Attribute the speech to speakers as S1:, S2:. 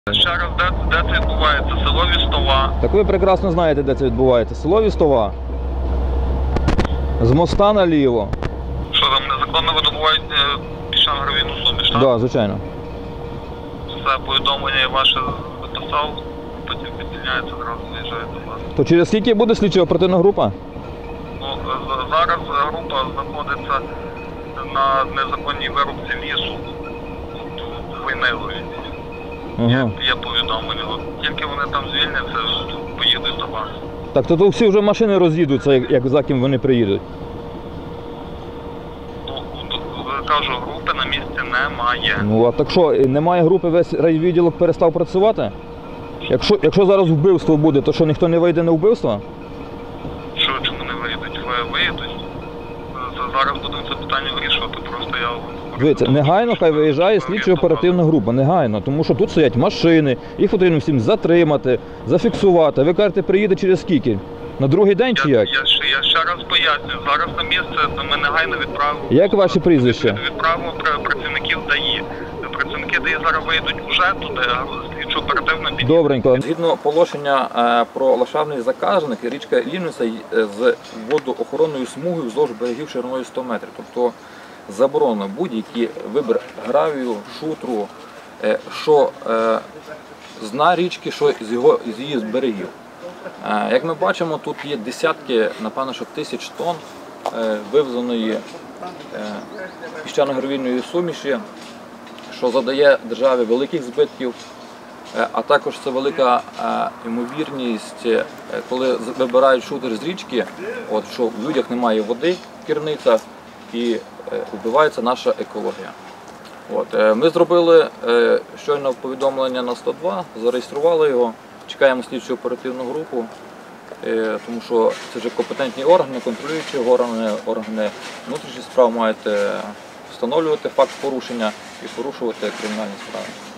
S1: Ще раз, де це відбувається? Село Вістова.
S2: Так ви прекрасно знаєте, де це відбувається. Село Вістова. З моста наліво.
S1: Що там незаконно видобувають піщано-гравійну суміш, так?
S2: Так, звичайно.
S1: Все, повідомлення ваше записав, потім підтягняється, одразу виїжджає до вас.
S2: То через скільки буде слідчо-оперативна група?
S1: Ну, зараз група знаходиться на незаконній вирубці лісу, Войнилові.
S2: Ага.
S1: Є повідомлення. От тільки вони там звільняться, поїдуть до вас.
S2: Так, то всі вже машини роз'їдуться, як за ким вони приїдуть.
S1: Ну, кажу, групи на місці немає.
S2: Ну, а так що, немає групи, весь райвідділок перестав працювати? Якщо зараз вбивство буде, то що, ніхто не вийде на вбивство?
S1: Що, чому не виїдуть? Виїдуть. Зараз будемо це питання вирішувати, просто я...
S2: Дивіться, негайно хай виїжджає слідчо-оперативна група, негайно, тому що тут стоять машини, їх потрібно всім затримати, зафіксувати. Ви кажете, приїде через скільки? На другий день чи як?
S1: Я ще раз пояснюю, зараз на місце ми негайно відправимо...
S2: Як ваше прізвище?
S1: Відправимо працівників ДАІ. Працівники ДАІ зараз виїдуть уже туди, слідчо-оперативно підійде.
S2: Добренько. Згідно положення про ландшафтний заказник, річка Лівниця з водоохоронною смугою вздовж берегів шириною 100 метрів. Тобто заборонено будь-який вибір гравію, шутру, що з дна річки, що з її берегів. Як ми бачимо, тут є десятки, напевно, що тисяч тонн вивезеної піщано-гравійної суміші, що завдає державі великих збитків, а також це велика ймовірність, коли вибирають шутер з річки, що в людях немає води в керницях і вбивається наша екологія. Ми зробили щойно повідомлення на 102, зареєстрували його, чекаємо слідчу оперативну групу, тому що це вже компетентні органи, контролюючі органи внутрішніх справ мають встановлювати факт порушення і порушувати кримінальні справи.